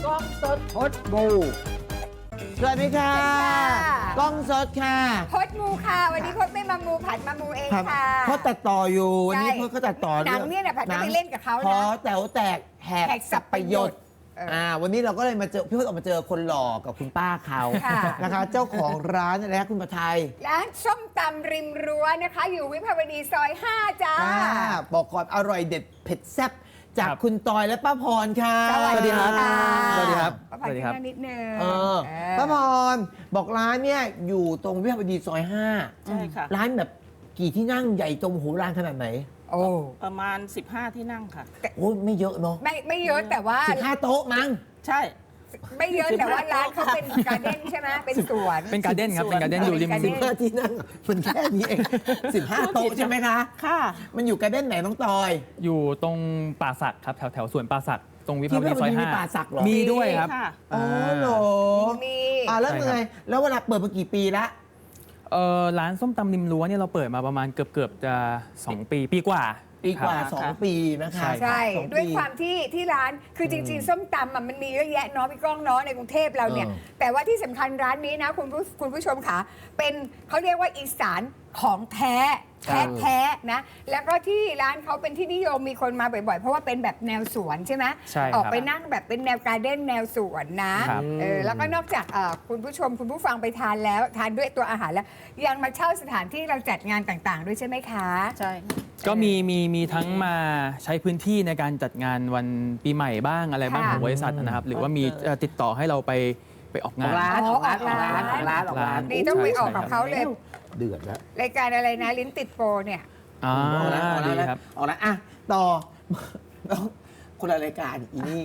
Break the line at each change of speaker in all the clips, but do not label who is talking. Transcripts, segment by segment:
กล้องสดพดมูสวัสดีค่ะกล้องสดค่ะ
พดมูค่ะวันนี้พดไม่มามูผัดมามูเองค่ะ
พดตัดต่ออยู่วันนี้พดก็ตัดต่อ
หนังเนี่ยนะผัดไปเล่นกับเขา
พอ
นะ
แต๋วแตกแหกสับประโยชน์วันนี้เราก็เลยมาเจอพี่พดออกมาเจอคนหล่อกับคุณป้าเขานะคะเจ้าของร้านอะไรนะคุณประไทย
ร้านส้มตำริมรั้วนะคะ อยู่วิภาวดีซอย5จ้า
บอกก่อนอร่อยเด็ดเผ็ดแซ่บจากคุณตอยและป้าพรค่ะ
สวัสดีครับ
สวัสดีครับ
ป้าพรขึ้นนิดนึง
ป้าพรบอกร้านเนี่ยอยู่ตรงวิภาวดีซอย
5ใช่ค่ะ
ร้านแบบกี่ที่นั่งใหญ่ตรงหูร้านขนาดไหน
โอ้
ประมาณ15ที่นั่งค่ะ
โอ้ไม่เยอะเนาะ
ไม่เยอะแต่ว่า
15โต๊ะมั้ง
ใช่
ไม่เยอะแต่ว่าร้านเขาเป็นการ์เด้นใช่ไหมเป็นสวน
เป็นการ์เด้นครับเป็นการ์เด้นอยู่ริม
15ที่นั่งมันแค่นี้เอง15โต๊ะใช่ไหมคะ
ค่ะ
มันอยู่การ์เด้นไหนน้องตอย
อยู่ตรงป่าสักครับแถวสวนป่าสักตรงวิภาวดีซอย
5มีป่าสักเหรอ
มีด้วยครับ
อ๋อเหรอ
มี
แล้วไงแล้วเวลาเปิดมากี่ปีละ
ร้านส้มตำริมรั้วเนี่ยเราเปิดมาประมาณเกือบจะ2 ปีกว่า
2 ปีนะคะ
ใช่ด้วยความที่ร้านคือจริงๆส้มตำมันมีเยอะแยะเนาะพี่ก้องเนาะในกรุงเทพเราเนี่ยแต่ว่าที่สำคัญร้านนี้นะคุณผู้ชมค่ะเป็นเขาเรียกว่าอีสานของแท้นะแล้วก็ที่ร้านเขาเป็นที่นิยมมีคนมาบ่อยๆเพราะว่าเป็นแบบแนวสวนใช่ไหมออกไปนั่งแบบเป็นแนวการ์เด้นแนวสวนนะแล้วก็นอกจากคุณผู้ชมคุณผู้ฟังไปทานแล้วทานด้วยตัวอาหารแล้วยังมาเช่าสถานที่เราจัดงานต่างๆด้วยใช่ไหมคะ
ใช่
ก็มีทั้งมาใช้พื้นที่ในการจัดงานวันปีใหม่บ้างอะไรบ้างของบริษัทนะครับหรือว่ามีติดต่อให้เราไปออกงาน
ร้าน
นี่ต้องไปออกกับเขาเลย
เดือดแล้ว
รายการอะไรนะลิ้นติดโปรเนี่ย
ดีครับ
ออกแล้วต่อคนละรายการอีนี่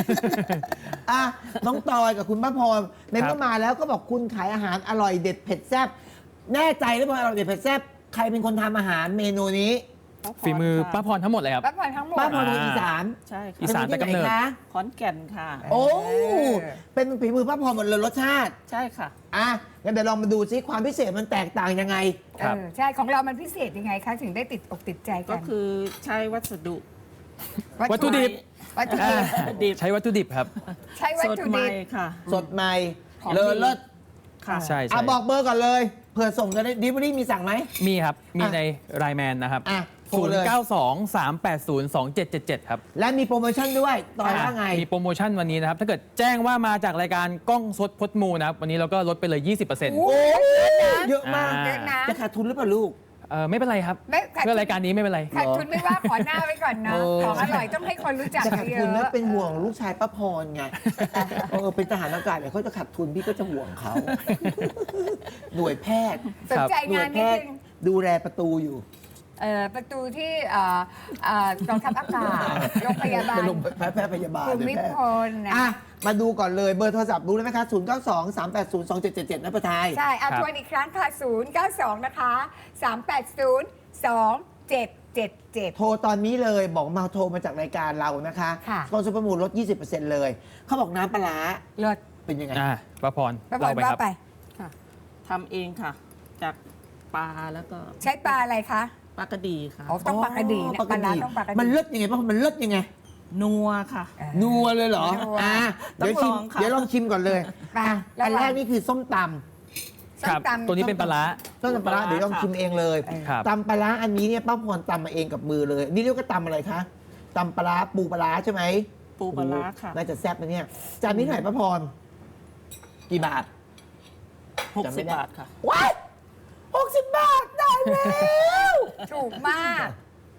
น้องตอยกับคุณป้าพรในเมื่อมาแล้วก็บอกคุณขายอาหารอร่อยเด็ดเผ็ดแซ่บแน่ใจหรือเปล่าอร่อยเด็ดเผ็ดแซ่บใครเป็นคนทำอาหารเมนูนี้
ฝีมือป้าพรทั้งหมดเลยครับ
ป้าพรทั้งหมด
ป้าพรเป็นอีสาน
ใช่ค่ะ
อีสานแต่กำเนิด
ขอนแก่นค่ะ
โอ้เป็นฝีมือป้าพรหมดเลยรสชาติ
ใช่ค่ะ
งั้นเดี๋ยวลองมาดูซิความพิเศษมันแตกต่างยังไง
ใช่ของเรามันพิเศษยังไงคะถึงได้ติดอกติดใจกัน
ก็คือใช้วัสดุ
วัตถุดิบใช้วัตถุดิบครับ
ใช้วัตถุดิบ
ค่ะ
สดใหม่เลอเลิศ
ค่ะใช่
บอกเบอร์ก่อนเลยเผื่อส่งจะได้ดิบรี่มีสั่งไหม
มีครับมีในไลน์แมนนะครับ0923802777ครับ
และมีโปรโมชั่นด้วยต่อว่าไง
มีโปรโมชั่นวันนี้นะครับถ้าเกิดแจ้งว่ามาจากรายการกล้องสดพดมูนะครับวันนี้เราก็ลดไปเลย 20%
โอ้เยอะมากจะขาดทุนหรือเปล่าลูก
ไม่เป็นไรครับเพื่อรายการนี้ไม่เป็นไร
ขาดทุนไม่ว่าขอหน้าไว้ก่อนนะของอร่อยต้องให้คนรู้จัก
จะขาดทุนแล้วเป็นห่วงลูกชายป้าพรไงเป็นทหารอากาศเนี่ยเขาจะขาดทุนพี่ก็จะห่วงเขาหน่วยแพทย์
สนใจงานนี้
ดูแลประตูอยู่
ประตูที่กองทัพอากาศโรงพยาบาล
แพทย์พยาบาล
ภูมิพลนะ
มาดูก่อนเลยเบอร์โทรศัพท์รู้ไหมคะ0923802777นะประทาย
ใช่ทวนอีกครั้งค่ะ092นะคะ3802777
โทรตอนนี้เลยบอกมาโทรมาจากรายการเรานะคะสปอนเซอร์ประมูลลด 20% เลยเขาบอกน้ำปลาร้า
เลิศ
เป็นยังไง
ป้าพร
เราไปครับ
ค่ะทำเองค่ะจากปลาแล้วก็
ใช้ปลาอะไรคะ
ปลากระดีค่ะ
ต้องปลากระดีนะปลาร้าต้องปลากระดี
มันเลิศยังไงป้ามันเลิศยังไง
นัวค่ะ
นัวเลยเหรอเดี๋ยวลองชิมก่อนเลยอันแรกนี่คือส้มตำ
ครับตัวนี้เป็นปลาร้า
ส้มตำปลาร้าเดี๋ยวลองชิมเองเลยตำปลาร้าอันนี้เนี่ยป้าพรตำมาเองกับมือเลยนี่เรียกว่าตำอะไรคะตำปลาร้าปูปลาร้าใช่ไหม
ปูปลาร้าค่ะ
น่าจะแซ่บนะเนี่ยจานนี้เท่าไหร่ป้าพรกี่บาท
60 บาทค่ะ
ว้าย60 บาทได้แล้ว
ถูกมาก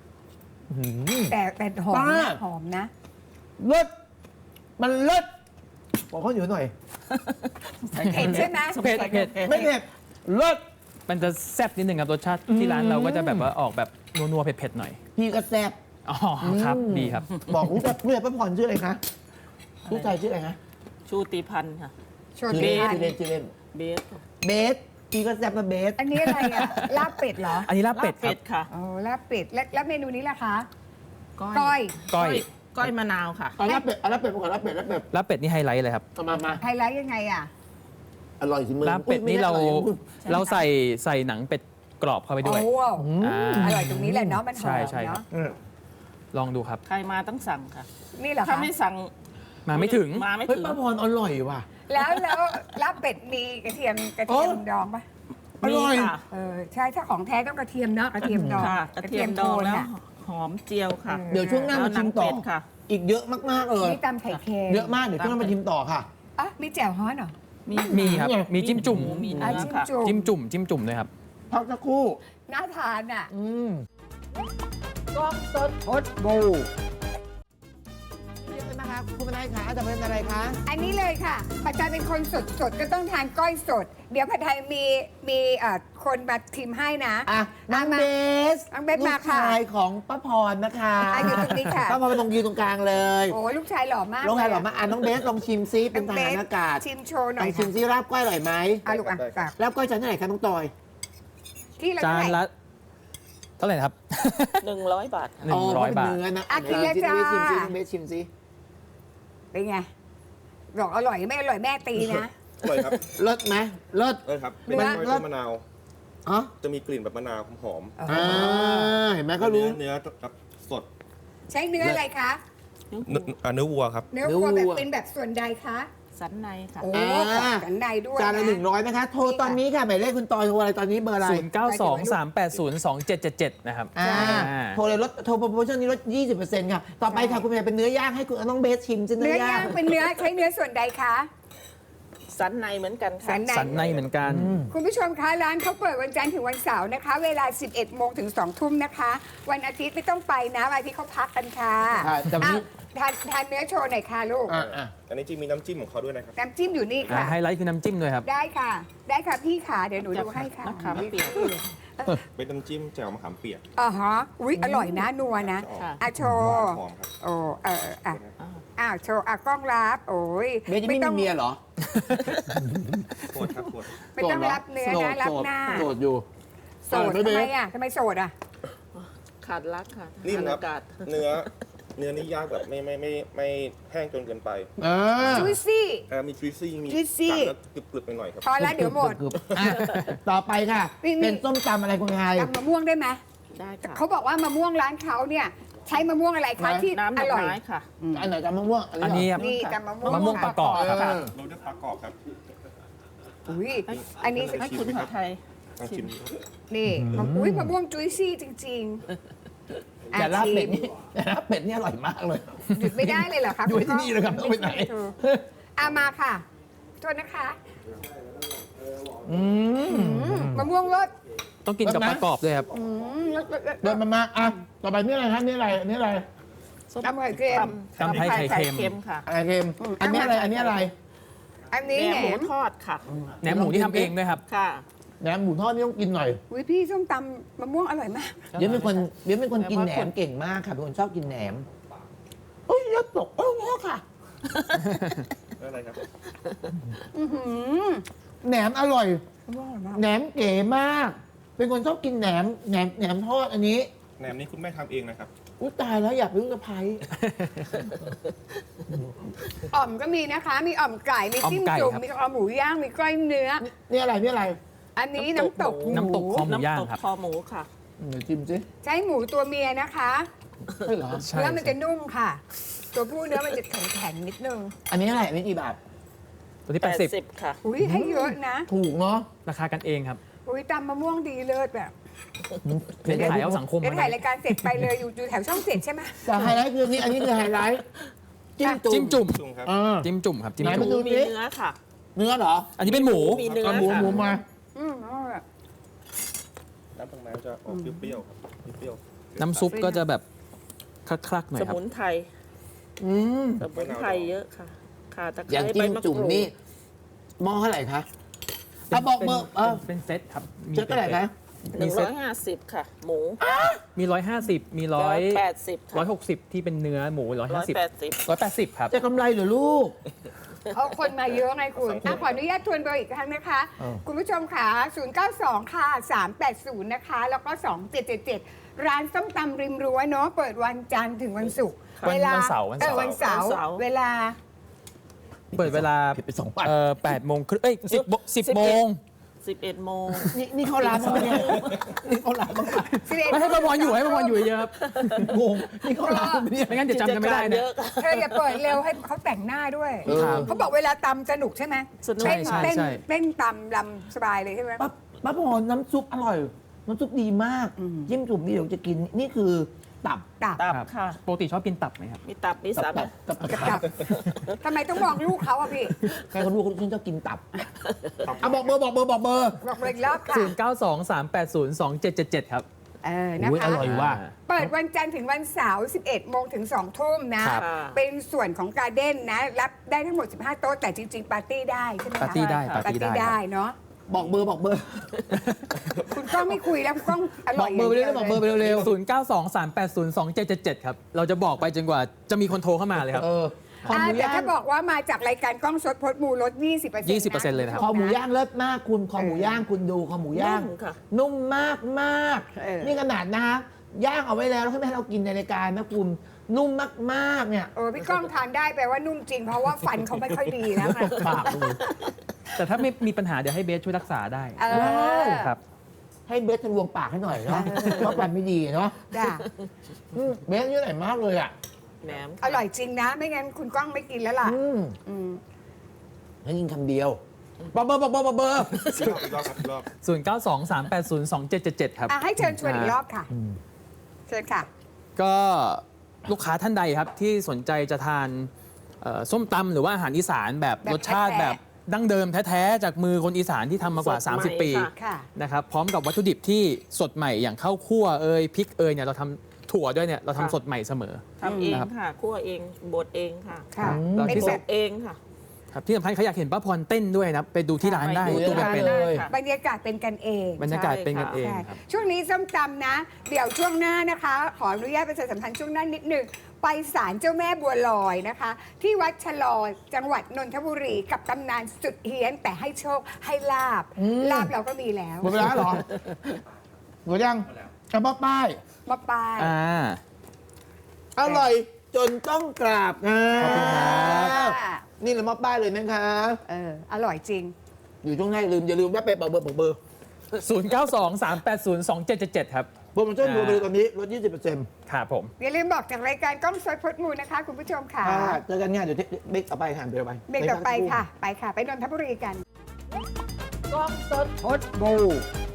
แต่หอมนะ
เลิศมันเลิศบอกเขาอยู่หน่อย
เผ็ดใช่ไหม
เผ็ด
ไม่เผ็ดเลิศ
มันจะแซ่บนิดนึงครับรสชาติที่ร้านเราก็จะแบบว่าออกแบบนัวๆเผ็ดๆหน่อย
พี่ก็แซ่บ
อ๋อครับดีครับ
บอกลูกแต่เพื่อนป้าพรชื่ออะไรคะลูกชายชื่ออะไรคะ
ชูติพันธ์ค่ะ
ชื่อเล่นเบสพี่ก็แซ่บมาเบส
อันนี้อะไรอ่ะลาบเป็ดเหรอ
อันนี้ลาบเป็ด
ค่ะ
ลาบเป็ดแล้วเมนูนี้ล่ะคะ
ก้อยมะนาวค่ะ
ลาบเป็ดลาบเป็ดก่อนลาบเป็ด
นี่ไฮไลท์เลยครับ
มา
ไฮไลท์ยังไงอ่ะ
อร่อยสิมึง
ลาบเป็ดนี่เราใส่หนังเป็ดกรอบเข้าไปด้วย
อร่อยตรงนี้แหละเนาะมันหอม
ใช่
เนาะ
ลองดูครับ
ใครมาต้องสั่งค่ะ
นี่เหรอ
ถ้าไม่สั่ง
มาไม่ถึง
มาไม่
เฮ้ย
ถึง
ป้าพรอร่อยว่ะ
แล้วรับเป็ดมีกระเทียมดองปะ
อร่อย
มีค่ะ
ใช่ถ้าของแท้ต้องกระเทียมเนาะกระเทียมดอง
ค่ะกระเทียมดอง
โทน
แล้ว
อะ
หอมเจียวค่ะ
เดี๋ยวช่วงหน้ามาชิมต่อ
แล้วหนังเป็ดค่ะ
อีกเยอะมากๆเลย
นี่ตำไข่เค็ม
เยอะมากเดี๋ยวช่วงหน้ามาชิมต่อค่ะ
อ่ะมีแจ่วฮ้อนเหรอ
มีครับ มีจิ้มจุ่ม
หมี
อ่ะ
เนื้อ
จิ้ม
ค่ะ
จุ่ม
จิ้มจุ่มจิ้มจุ่มด้วยครับ
พักสักครู่
น่าทานอ่ะ
กล้องสดพดบูนี่เลยนะคะคุณเป็นอะไรคะจะเป็นอะไรคะ
อันนี้เลยค่ะผัดไทยเป็นคนสดก็ต้องทานก้อยสด เดี๋ยวผัดไทยมีคนมาทิมให้นะ
อ่ะน้องเบส
น้องเบส
ลู
มาก ค่ะ
ชายของป้าพรนะคะ
อ่ะอยู่ตรงนี้ค่ะ
ป้าพรไปตรงยืนตรงกลางเลย
โอ้ลูกชายหล่อมาก
ลงไงหรอมาอ่ะน้องเบสลองชิมซิเป็นทหารอากาศ
ชิมโชว์หน่
ล
อ
อย งชิมซิราบก้อยอร่อยไหม
อ่ะลูกอ่ะฝาก
ราบก้อยจานเท่าไหร่คะน้องตอย
ที่เรา
จาน
เท่าไหร่
ละเท่าไหร่นะครับ
100 บาทค่ะ
100 บาท
เนื้อนะ
อ่ะกินเลยจ้า
ชิมซิน้องเบสชิมซิ
เป็นไงบอกอร่อยไม่อร่อยแม่ตีนะ
อร่อยครับ
เลิศไหมเลิศ
ครับ
เนื้
เป็น
อ
กล้วยมะนาว
อ๋อ
จะมีกลิ่นแบบมะนาวหอม
อ่าเห็นไหมเขารู้
เนื้อครับสด
ใช้เนื้ออะไรคะ
เนื้อวัวครับ
เนื้อวัวแบบเป็นแบบส่วนใดคะ
สันในค่ะ
โอ้
อ่า
ขอบสันในด้วย
จานละ
นะ
100นะคะ โทรตอนนี้ค่ะหมายเลขคุณตอยโทรอะไรตอนนี้เบอร์อะไร
0923802777 นะครับ
อ่า
อ่า
โทรเลยลดโทรโปรโมชั่นนี้ลด 20%ค่ะ ต่อไปค่ะคุณเมย์เป็นเนื้อย่างให้คุณน้องเบสชิมจิน
เนื้อย่างเป็นเนื้อใช้เนื้อส่วนใดคะ
สันในเหมือนกัน
สั
ค่ะ
นใน
สันในเหมือนกัน
คุณผู้ชมคะร้านเขาเปิดวันจันทร์ถึงวันเสาร์นะคะ เวลา 11 โมงถึง 2 ทุ่มนะคะ วันอาทิตย์ไม่ต้องไปนะวันอาทิตย์เขาพักกันค่ะ
ค่ะแต่วันนี้
อ้าวทานเนื้อโชว์หน่อยค่ะลูก
อ่ะ
อันนี้จะมีน้ำจิ้มของเขาด้วยนะครับ
น้ำจิ้มอยู่นี่ค่ะ
ไฮไลท์คือน้ำจิ้มด้วยครับ
ได้ค่ะ ได้ค่ะพี่ขาเดี๋ยวหนูดูให้ค่ะ
มะขามเปียก
เป็นน้ำจิ้มแจ่วมะขามเปียก
อ๋อฮะอุ๊ยอร่อยนะนัวนะ
ค่ะ
อ่ะโช
ห
ว์
วานหอมครับ
โอ้อ้าวโชว์กล้องรับโอ้ย
เบสจะไม่มีเมียเหรอ
โคตรครับโคตร
ไม่ต้องรับเนื้อนะรับหน้า
โสดอยู่
โสดทำไมอ่ะทำไมโสดอ่ะ
ขาดรักค่ะ
นิ่ม
ขาด
ครับ
อากาศ
เนื้อนี่ย่างแบบไม่แห้งจนเกินไป
จุยซี่
มีทริซี่มี
juicy
กัดแล้วกรึบๆไปหน่อยครับ
พอแล้วเดี๋ยวหมด
อ่ะต่อไปค่ะ
นี่
เป็นส้มตำอะไรคุณไทย
ตำมะม่วงได้ไหม
ได้ค่ะ
เขาบอกว่ามะม่วงร้านเขาเนี่ย ใช้มะม่วงอะไรคะที่
น้ำด
อ
อก
ร่อย
ไม้ค่ะ
อันไหนตำมะม่วง
อันนี้ครับ
นี่ตำมะม่วง
มะม่วงประกอบครับ
เออ
โรยด้วยปลากรอบครับ
อุ้ยอันนี้
ให้คุณผัดไทย
ลองชิมดู
นี่อุ้ยมะม่วงจุยซี่จริงๆ
แต่ลาบเป็ด
ชิม
นี่แต่ลาบเป็ดนี่อร่อยมากเลย
หยุดไม่ได้เลยเหรอคะ
อยู่ที่นี่เลยครับต้องไปไหน
มาค่ะโทษนะคะ
อืม
มะม่วงรส
ต้องกินกับประกอบด้วยครับ
รส
เดินมาอ่ะต่อไปนี่อะไรครับนี่อะไรนี่อะไร
ตำไข่เค็ม
ตำไทยไข่เค็ม
ค่ะ
อะไรเค็มอันนี้อะไรอันนี้อะไร
อัน
แหน
นี้แหน
มหมู
ม
ทอดค่ะ
แหนมหมูที่ทำเองด้วยครับ
ค่ะ
แหนมหมูทอดนี่ต้องกินหน่อย
อุ้ยพี่ส้มตำมะม่วงอร่อยมาก
เดี๋ยวเป็นคนกินแหนมเก่งมากค่ะเป็นคนชอบกินแหนมโอ้ยยอดตกโอ้ยค่ะ
อะไรครับ
แหนมอร่อย
มะม่วงอร่อยมาก
แหนมเก๋มาก เป็นคนชอบกินแหนมทอดอันนี้
แหนมนี้คุณแม่ทำเองนะครับ
อุ้ยตายแล้วอยากเป็นลูกสะใภ้
อ่อมก็มีนะคะ มีอ่อมไก่ มีจิ้ม
อ่อมไก่
จุ่ม
ครับ
มีคอหมูย่าง มีก้อยเนื้อ
นี่อะไรนี่อะไร
อันนี้น้ำตกหมู
น้ำตกคอหมูย่าง
น้ำตก
ครับ
คอหมูค่ะ
เดี๋ยวชิมสิ
ใช้หมูตัวเมียนะคะ
ใช่เหรอ
ใช่
เนื้อมันจะนุ่มค่ะ ตัวผู้เนื้อมันจะแข็งๆนิดนึง
อันนี้อะไรอันนี้กี่บาท
ตัวที่
80 ค่ะ
อุ้ยให้เยอะนะ
ถูกเนาะ
80 ราคากันเองครับ
อุ้ยตำมะม่วงดีเลิศแบบ
เป็นขายเอาสังคม
เดี๋ยว
มา
ถ่ายรายการเสร็จไปเลยอยู่แถวช่องเจ็ดใช่ไหม
แต่ไฮไลท์คือนี่อันนี้คือไฮไลท์จิ้มจุ่ม
จิ้มจุ่ม
จุ่มครับ
เออ
จิ้มจุ่มครับจิ้ม
ไหน
จุ่
มาม ดู
มี
สิ
เนื้อค่ะ
เนื้อเหรอ
อันนี้เป็นหมู
มีเนื้อ
เอาหมู
ค่ะ
หมูมา
อร่อย
น้ำตรงนั้นจะออกเปรี้ยวๆครับเปรี้ยวๆ
น้ำซุปก็จะแบบคลักๆหน่อย
ส
ครับ
มุนไพร
อืม
สมุนไพรเยอะค่ะข่าตะไค
อย่าง
ร้
จิ้
ใบ
ม
มะก
จุ่ม
รูด
นี่หม้อเท่าไหร่คะเอาบอกเบอร์
เป็นเซตครับมี
เจ๊เท่าไหร่คะ
มีเซต
150 ค่ะ หมู
มี 150 มี
180 ค่ะ
160 ที่เป็นเนื้อหมู 150
180
180 ครับ
จะกำไรเหรือลูก
เพราะคนมาเยอะไงคุณขออนุญาตทวนเบอร์อีกครั้งนะคะ
เออ
คุณผู้ชมค่ะ 092 ค่ะ 380 นะคะ แล้วก็ 2777 ร้านส้มตำริมรั้วเนาะ เปิดวันจันทร์ถึงวันศุกร์
วันเสาร์
วันเสาร์
วันเสาร์
เวลา
เปิดเวลา
ผิดไป2 วัน
8 โมงครึ่ง10 โมง
11 โมง
นี่เขาร้านมั้างไหมเนี่ยนี่เขาร้านมั้างไหม
ไม่ให้ประพรอยู่ให้ประพรอยู่เยอะครับ
งงนี่เขาร้านมั้างไหมเนี่ย
ไม่งั้นเดี๋ยวจำกันไม่ได้
กิจ
นะ
การเยอะค่ะ
เธออย่าเปิดเร็วให้เขาแต่งหน้าด้วย
ครับ
เขาบอกเวลาตำสนุกใช่ไหม
สนุก
เต้น
ใช่
เต้น
ใช่
เต้นตำลำสบายเลยใช่ไหม
ป้าพรน้ำซุปอร่อย น้ำซุปดีมากจิ้มจุ่มนี่เดี๋ยวจะกินนี่คือตับ
ตับ
ตับ
ครับ
ค่ะ
ปกติชอบกินตับไหมครับ
มีตับ มีสับ
ตับทำไมต้องมองลูกเขาอะพี่
ใครเขารู้เขาชอบกินตับเอาบอกเบอร์บอกเบอร์บอกเบอร์
บอกเลยอีกรอบค่ะ
0923802777 ครับ
นะ
อุ๊ย
คะ
อร่อยว่ะ
เปิดวันจันทร์ถึงวันเสาร์ 11 โมงถึง 2 ทุ่มนะ
ครับ
เป็นส่วนของการ์เด้นนะ รับได้ทั้งหมด 15 โต๊ะ แต่จริง ๆ ปาร์ตี้ได้ใช่ไหมคะ
ปาร์ตี้ได้
ปาร์ตี้
ครับ
ได้เนาะ
บอกเบอร์บอกเบอร์
คุณก้องไม่คุยแล้วคุณก้องอ
บ
ร่
อ
อย
กเบอร์ไปเรื่อยๆบอกเบอร์ไปเร็ว
0923802777 ครับ เราจะบอกไปจนกว่าจะมีคนโทรเข้ามาเลยครับ
คอหมู
แต่
ย่าง
ถ้าบอกว่ามาจากรายการกล้องสดพดมูลด 20%
20%เลยนะครับ
คอหมูย่างเลิศมากคุณคอหมูย่างคุณดูคอหมูย่าง
นุ่มค่ะ
นุ่มมากมาก
เออ
นี่ขนาดนะย่างเอาไว้แล้วให้แม่ให้เรากินในรายการนะคุณนุ่มมากๆเนี่ย
พี่ก้องทานได้แปลว่านุ่มจริง เพราะว่าฟันเขาไม่ค่อยดีแล้วไง
ปากดู
แต่ถ้าไม่มีปัญหาเดี๋ยวให้เบสช่วยรักษาได้
เออ
ครับ
ให้เบสทะลวงปากให้หน่อยเนาะเพราะฟันไม่ดีเนาะ
จ้ะ
เบสนี่อร่อยมากเลยอ่ะ
แหนม
อร่อยจริงนะ ไม่งั้นคุณก้องไม่กินแล้วล่ะ อืม
แล้วยิงคำเดียวบอกเบอร์บอกเบอร์บอกเบอร์
อีกรอบครับอีกรอบ
0923802777 ครับ
ให้เชิญชวนอีกรอบค่ะ เชิญค่ะ
ก็ลูกค้าท่านใดครับที่สนใจจะทานส้มตำหรือว่าอาหารอีสานแบบ
แบบ
รสชาติ
แท้ๆ
แบบดั้งเดิมแท้ๆจากมือคนอีสานที่ทำมากว่า
สดใหม่
30 ปี
ค่ะ
ค่ะ
นะครับพร้อมกับวัตถุดิบที่สดใหม่อย่างข้าวคั่วพริกเนี่ยเราทำถั่วด้วยเนี่ยเราทำสดใหม่เสมอ
ทำเอง
นะครับ
ค่ะ คั่วเอง บดเองค่ะ
ค่ะ
เรา
เป็น
ที่
แบ
สุ
บ
ด
เองค่ะ
ครับที่สำคัญเขาอยากเห็นป้าพรเต้นด้วยนะไปดูที่ร้านได้
ดู
ตัว
ได้
เป็น
เลย
ค่ะ
บรรยากาศเป็นกันเอง
ๆบรรยากาศเป็นกันเอง
ใช่
ครับ
ช่วงนี้ส้มตำนะ เดี๋ยวช่วงหน้านะคะ ขออนุญาตประชาสัมพันธ์ช่วงหน้านิดหนึ่งไปศาลเจ้าแม่บัวลอยนะคะ ที่วัดชะลอจังหวัดนนทบุรีกับตำนานสุดเฮี้ยนแต่ให้โชคให้ลาบ ลาบเราก็มีแล้ว
หมดเวลาเหรอหมดยังกระบอกป้าย
มาปลาย
อร่อยจนต้องกราบนะ
ขอบคุณครับ
นี่เรามอบป้ายเลยนะคะ
อร่อยจริง
อยู่ช่วงหน้าอย่าลืมว่าไปบอกเบอร์บอกเบอร์
0923802777 ครับ
โปรโมชั่นรวมไปเลยตอนนี้ลด 20%
ครับผม
อย่าลืมบอกจากรายการกล้องสดพดมูลนะคะ คุณผู้ชมค่ะ
เจอกันง่ายเดี๋ยวเบรกต่อไปค่ะเบรกต่อไป
เบรกต่อไปค่ะ ไปค่ะ ไปนนทบุรีกัน
กล้องสดพดมู